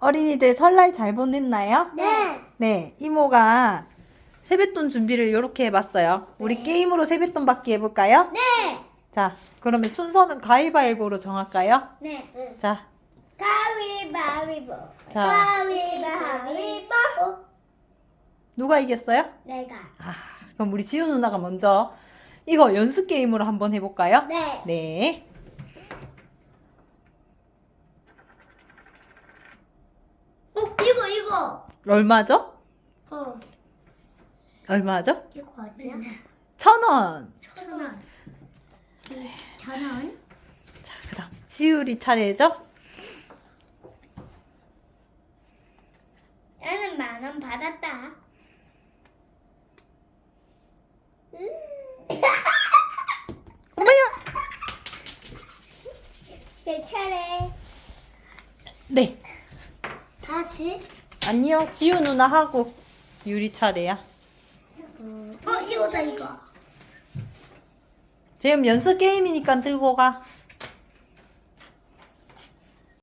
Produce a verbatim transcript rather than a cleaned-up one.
어린이들 설날 잘 보냈나요? 네. 네, 이모가 세뱃돈 준비를 이렇게 해봤어요. 우리 네. 게임으로 세뱃돈 받기 해볼까요? 네. 자, 그러면 순서는 가위바위보로 정할까요? 네. 자, 가위바위보. 자. 가위바위보. 누가 이겼어요? 내가. 아, 그럼 우리 지우 누나가 먼저 이거 연습 게임으로 한번 해볼까요? 네. 네. 어, 이거 이거. 얼마죠? 어. 얼마죠? 이거 아니야? 천 원. 천 원. 천 원? 자, 그 다음 지우리 차례죠? 나는 만 원 받았다. 어머야! 내 차례. 네. 다시? 아니요, 지우 누나 하고 유리 차례야. 어, 이거다 이거. 지금 연습 게임이니까 들고 가.